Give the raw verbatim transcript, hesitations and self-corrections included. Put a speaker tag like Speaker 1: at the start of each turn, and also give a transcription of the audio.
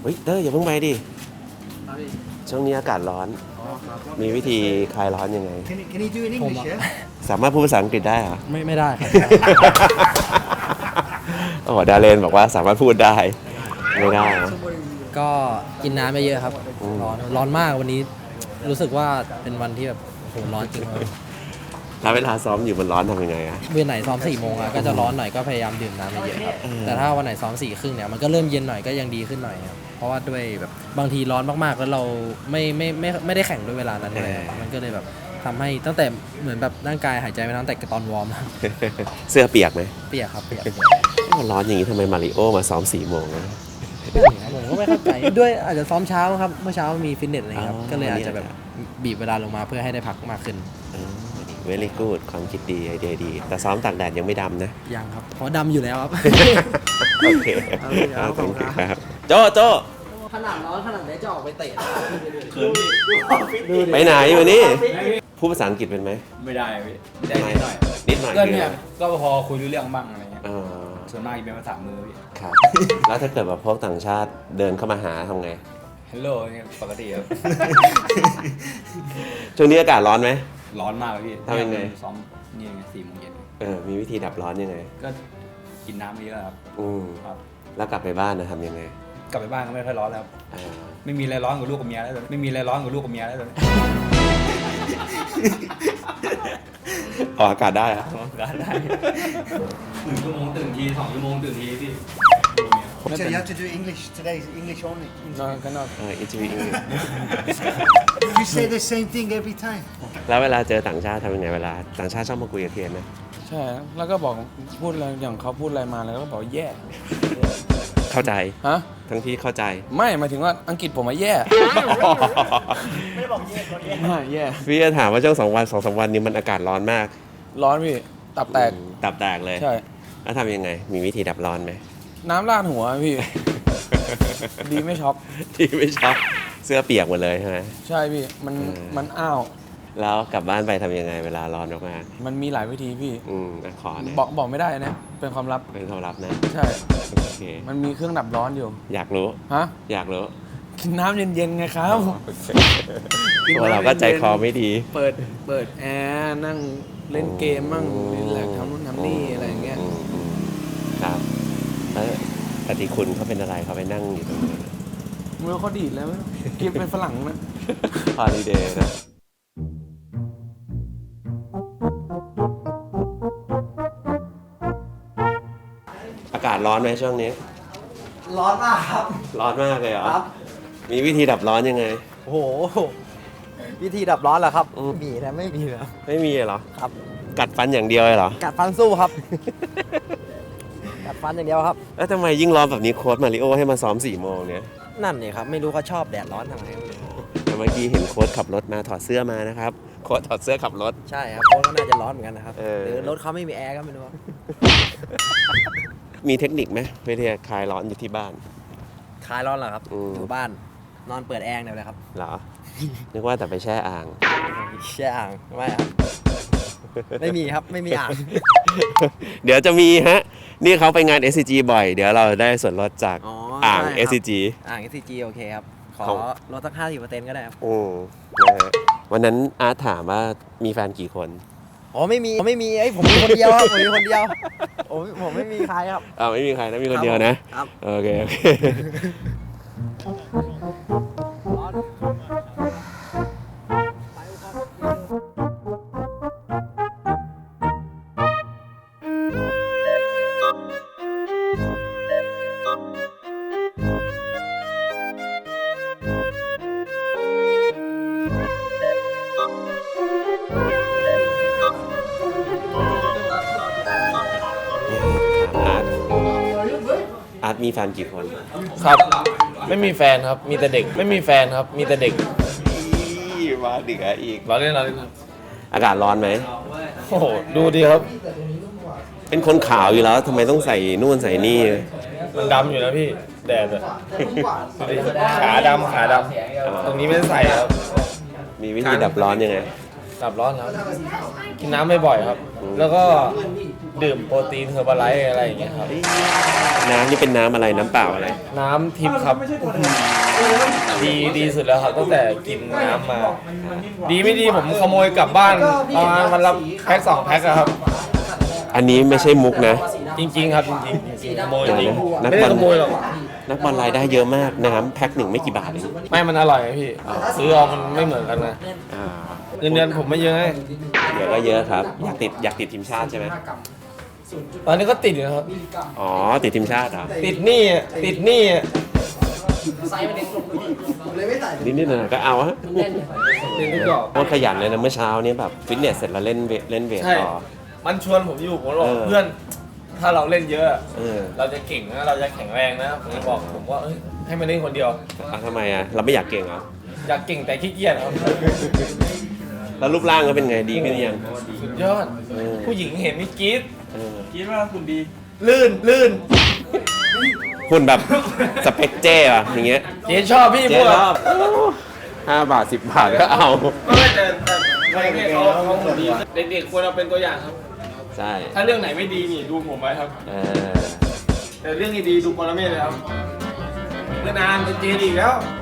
Speaker 1: เฮ้ยเต้ยอย่าเพิ่งไปดิช่วงนี้อากาศร้อนมีวิธีคลายร้อนยังไง
Speaker 2: Can you, can you do in English? Yeah.
Speaker 1: สามารถพูดภาษาอังกฤษได้เหรอ
Speaker 3: ไม่ไม่ได้ครับ
Speaker 1: โอ้โหดาเลนบอกว่าสามารถพูดได้ไม่ได้นะ
Speaker 3: ก็กินน้ำเยอะๆครับร้อนร้อนมากวันนี้รู้สึกว่าเป็นวันที่แบบโหร้อนจริงครับ
Speaker 1: แล้วเวลาซ้อมอยู่มันร้อนทำยังไงอะ
Speaker 3: เวันไหนซ้อมสี่โมงอะก็จะร้อนหน่อยก็พยายามดื่มน้ำเยอะๆครับแต่ถ้าวันไหนซ้อมสี่ครึ่งเนี่ยมันก็เริ่มเย็นหน่อยก็ยังดีขึ้นหน่อยครับเพราะว่าด้วยแบบบางทีร้อนมากๆแล้วเราไม่ไม่ไม่ไม่ได้แข่งด้วยเวลานั้นเลยมันก็เลยแบบทำให้ตั้งแต่เหมือนแบบร่างกายหายใจไม่ทันแต่ตอนวอร์ม
Speaker 1: เสื้อเปียกไหม
Speaker 3: เปียกครับเปียก
Speaker 1: มันร้อนอย่างนี้ทำไมมาริโอมาซ้อมสี่โมงนะ
Speaker 3: ผมก็ไม่เข้าใจด้วยอาจจะซ้อมเช้าครับเมื่อเช้ามีฟิตเนสอะไรครับ
Speaker 1: อ๋อ
Speaker 3: ก็เลยอาจจะแบบบีบเวลาลงมาเพื่อให้ได้พักมากขึ้น
Speaker 1: เวลี่กูดความคิดดีไอเดียดี แต่ซ้อมตากแดดยังไม่ดำนะ
Speaker 3: ยังครับเพราะดำอยู่แล้วครับ
Speaker 1: โอเค
Speaker 3: เอาเลยครับขอบคุณครับ
Speaker 1: ครับโจโจ
Speaker 3: ขนาดร้อนขนาดไหนจะออกไปเตะ
Speaker 1: ไปไหนอยู่นี่พูดภาษาอังกฤษเป็นไหม
Speaker 4: ไม่ได้พี่ได้นิดหน่อย
Speaker 1: นิดหน่อย
Speaker 4: ก็เนี่ยก็พอคุยรู้เรื่องบ้างอะไรเงี้ย
Speaker 1: อ๋อ
Speaker 4: ส่วนมากจะเป็นภาษามือพี่
Speaker 1: ครับ แล้วถ้าเกิดแบบพวกต่างชาติเดินเข้ามาหาทำไง
Speaker 4: ฮัลโหลเนี่ยปกติครับ
Speaker 1: ช่วงนี้อากาศร้อนไหม
Speaker 4: ร้อนมากเลยพี่
Speaker 1: ทำยังไง
Speaker 4: ซ้อมนี่ไงสี่โมงเย็น
Speaker 1: เออมีวิธีดับร้อนยังไง
Speaker 4: ก็กินน้ำเยอะครับ
Speaker 1: อืม
Speaker 4: ครับ
Speaker 1: แล้วกลับไปบ้านนะทำยังไง
Speaker 4: กลับไปบ้านก็ไม่ค่อยร้อนแล้วครับ
Speaker 1: อ่า
Speaker 4: ไม่มีอะไรร้อนกว่าลูกกับเมียแล้วตอนนี้ไม่มีอะไรร้อนกว่าลูกกับเมียแล้วตอนนี้
Speaker 1: ออกอากาศได้อะ
Speaker 4: ร้อนกันได้หนึ่งชั่วโมงตื่นทีสองชั่วโมงตื่นทีพี่
Speaker 2: So you have to do English today. English only.
Speaker 4: นอนก็นอน
Speaker 1: เอออินทวี
Speaker 2: You say the same thing every time.
Speaker 1: แล้วเวลาเจอต่างชาติทำยังไงเวลาต่างชาติชอบมาคุยกับเทียนนะ
Speaker 5: ใช่ แล้วก็บอกพูดอะไรอย่างเขาพูดอะไรมาแล้วก็บอกแย่
Speaker 1: เข้าใจ
Speaker 5: ฮะ
Speaker 1: ทั้งที่เข้าใจ
Speaker 5: ไม่หมายถึงว่าอังกฤษผมมาแย่ ไม่แย่
Speaker 1: พี่จะถามว่าช่วงสองวันสองสามวันนี้มันอากาศร้อนมาก
Speaker 5: ร้อนพี่ ตับแตก
Speaker 1: อืมตับแตกเลย
Speaker 5: ใช่
Speaker 1: แล้วทำยังไง มีวิธีดับร้อนไหม
Speaker 5: น้ำราดหัวพี่ ดีไม่ช็อก
Speaker 1: ที่ไม่ชอบเสื้อเปียกหมดเลยใช่ไหม
Speaker 5: ใช่พี่ มัน
Speaker 1: เออ
Speaker 5: มันอ้าว
Speaker 1: แล้วกลับบ้านไปทำยังไงเวลาร้อนมาก
Speaker 5: มันมีหลายวิธีพี่
Speaker 1: ๆอืมอ่ะขอนะ
Speaker 5: บอกบอกไม่ได้นะ เป็นความลับ
Speaker 1: เป็นความลับนะ
Speaker 5: ใช่
Speaker 1: โอเค
Speaker 5: มันมีเครื่องดับร้อนอยู่
Speaker 1: อยากรู้
Speaker 5: ฮะ
Speaker 1: อยากรู้
Speaker 5: กินน้ำเย็นๆไงครับ กิน
Speaker 1: ตัว
Speaker 5: น้ำ
Speaker 1: เราก็ใจ
Speaker 5: ย็นๆ
Speaker 1: คอไม่ดี
Speaker 5: เปิด เปิดแอร์ นั่งเล่นเกมมั่งรีแลกซ์ทำนู่นทำนี่อะไรอย่างเงี้ย
Speaker 1: อืมอืมครับแล้วปฏิคุณเขาเป็นอะไรเขาไปนั่งอยู่ตรงนี้
Speaker 5: มือเขาดีดแล้วกินเป็นฝรั่งนะ
Speaker 1: ฮอลิเดย์นะอากาศร้อนไหมช่วงนี้
Speaker 3: ร้อนมากครับ
Speaker 1: ร้อนมากเลยเหรอ
Speaker 3: ครับ
Speaker 1: มีวิธีดับร้อนยังไง
Speaker 3: โอ้โหวิธีดับร้อนเหรอครับ
Speaker 1: อืม
Speaker 3: มีนะไม่มีนะ
Speaker 1: ไม่มีเหรอ
Speaker 3: ครับ
Speaker 1: กัดฟันอย่างเดียวเลยเหรอ
Speaker 3: กัดฟันสู้ครับ กัดฟันอย่างเดียวครับ
Speaker 1: แล้วทำไมยิ่งร้อนแบบนี้โค้ชมาริโอให้มาซ้อมสี่โมงเนี่ย
Speaker 3: นั่นนี่ครับไม่รู้เขาชอบแดดร้อนทำไมไม่รู้
Speaker 1: แต่เมื่อกี้เห็นโค้ชขับรถมาถอดเสื้อมานะครับ โค้ชถอดเสื้อขับรถ
Speaker 3: ใช่ครับโค้ชก็น่าจะร้อนเหมือนกันนะครับ
Speaker 1: เออ
Speaker 3: หรือรถเขาไม่มีแอร์ก็ไม่รู้ครับ
Speaker 1: มีเทคนิคไหมเพื่อที่จะคลายร้อนอยู่ที่บ้าน
Speaker 3: คลายร้อนเหรอครับ
Speaker 1: อืม
Speaker 3: อยู่บ้านนอนเปิดแอร์เดี๋ยวเลยครับ
Speaker 1: เหรอ นึกว่าแต่ไปแช่อ่าง
Speaker 3: แช่อ่างไม่ครับ ไม่มีครับไม่มีอ่าง
Speaker 1: เดี๋ยวจะมีฮะ นี่เขาไปงาน เอส ซี จี บ่อย เดี๋ยวเราได้ส่วนลดจาก
Speaker 3: อ๋อ
Speaker 1: อ่าง
Speaker 3: ใช่ครับ
Speaker 1: เอส ซี จี
Speaker 3: อ่าง เอส ซี จี โอเคครับ ขอ
Speaker 1: ของ
Speaker 3: ลดสักห้าสิบเปอร์เซ็นต์ก็ได้ครับ
Speaker 1: อืมนะฮะวันนั้นอาร์ตถามว่ามีแฟนกี่คน
Speaker 3: อ๋อไม่มีผมไม่มีไอ้ยผมมีคนเดียวครับผมมีคนเดียวผมผมไม่มีใครครับ
Speaker 1: อ่าไม่มีใครนะ มีคนเดียวนะ
Speaker 3: ครับ
Speaker 1: โอเค โอเค อาร์ตอาร์ตมีแฟนกี่คน
Speaker 5: ครับ ไม่มีแฟนครับ มีแต่เด็ก ไม่มีแฟนครับ มีแต่เด็ก
Speaker 1: อีมาดิกะอีก
Speaker 5: ร้อนเล่นร้อนเล่น
Speaker 1: อากาศร้อนไหม
Speaker 5: โอ้โห ดูดีครับ
Speaker 1: เป็นคนขาวอยู่แล้วทำไมต้องใส่นู่นใส่นี่
Speaker 5: มันดำอยู่นะพี่ แดดอะขาดำขาดำตรงนี้ไม่ได้ใส่ครับ
Speaker 1: มีวิธีดับร้อนยังไง
Speaker 5: ดับร้อนครับกินน้ำบ่อยๆครับ แล้วก็ดื่มโปรตีนเฮอร์บาไลท์อะไรอย่างเงี้ยครับ
Speaker 1: น้ำนี่เป็นน้ำอะไรน้ำเปล่าอะไร
Speaker 5: น้ำทิพย์ครับดีดีสุดแล้วครับตั้งแต่กินน้ำมา ดีไม่ดีผมขโมยกลับบ้านประมาณวันละแพ็คสองแพ็คอะครับ
Speaker 1: อันนี้ไม่ใช่มุกนะ
Speaker 5: จริงๆครับจริงๆจริงๆขโมยจริง
Speaker 1: นัก
Speaker 5: ไม่
Speaker 1: บอ
Speaker 5: ได้
Speaker 1: ล
Speaker 5: ขโมยหรอก
Speaker 1: นักบอลรายได้เยอะมากน้ำแพ็คหนึ่งไม่กี่บาทเอง
Speaker 5: ไม่มันอร่อยไงพี่ ซื้อเอามันไม่เหมือนกันนะ
Speaker 1: อ่า
Speaker 5: เงินเดือนผมไม่เยอะไง
Speaker 1: เดี๋ยวก็เยอะครับ อยากติดอยากติดทีมชาติใช่ไหม
Speaker 5: ตอนนี้ก็ติดอยู่นะครับ
Speaker 1: อ๋อติดทีมชาติเหรอ
Speaker 5: ติดหนี้อะติดหนี้อะ
Speaker 1: นิดๆหน่อยๆก็เอาฮะ
Speaker 5: ติดทุกดอก
Speaker 1: โคตรขยันเลยนะเมื่อเช้านี้แบบฟิตเนสเสร็จแล้วเล่นเวทเล่นเวท
Speaker 5: ใช่
Speaker 1: ต่อ
Speaker 5: มันชวนผมอยู่ผมบอก
Speaker 1: เออ
Speaker 5: เพื่อน ถ้าเราเล่นเยอะ
Speaker 1: เออ
Speaker 5: เราจะเก่งนะ เราจะแข็งแรงนะ ผมจะบอกผมว่าเอ้ยให้มันเล่นคนเดียว
Speaker 1: อ่ะทำไมอ่ะเราไม่อยากเก่งเหรอ
Speaker 5: อยากเก่งแต่ขี้เกียจครับ
Speaker 1: แล้วรูปร่างก็เป็นไงดีขึ้นยัง
Speaker 5: สุดยอด
Speaker 1: เออ
Speaker 5: ผู้หญิงเห็นมีกรี๊ด
Speaker 1: เออ
Speaker 4: คิดว่าคุณดี
Speaker 5: ลื่นลื่น
Speaker 1: คุณแบบสเปคเจ้อะอย่างเงี้ย
Speaker 5: เจ๊ชอบพี่
Speaker 1: เจ๊
Speaker 5: พวก
Speaker 1: รอบห้าบาทสิบบาทก็เอา
Speaker 5: ไม่แต่แต่ไม่ไม่เขาเขาคนดีเด็กๆควรเอาเป็นตัวอย่างครับ
Speaker 1: ใช่
Speaker 5: ถ้าเรื่องไหนไม่ดีนี่ดูผมไว้ครับ
Speaker 1: เออ
Speaker 5: แต่เรื่องดีๆดูปรเมศเลยครับเมื่อนานเป็นเจดีอีกแล้ว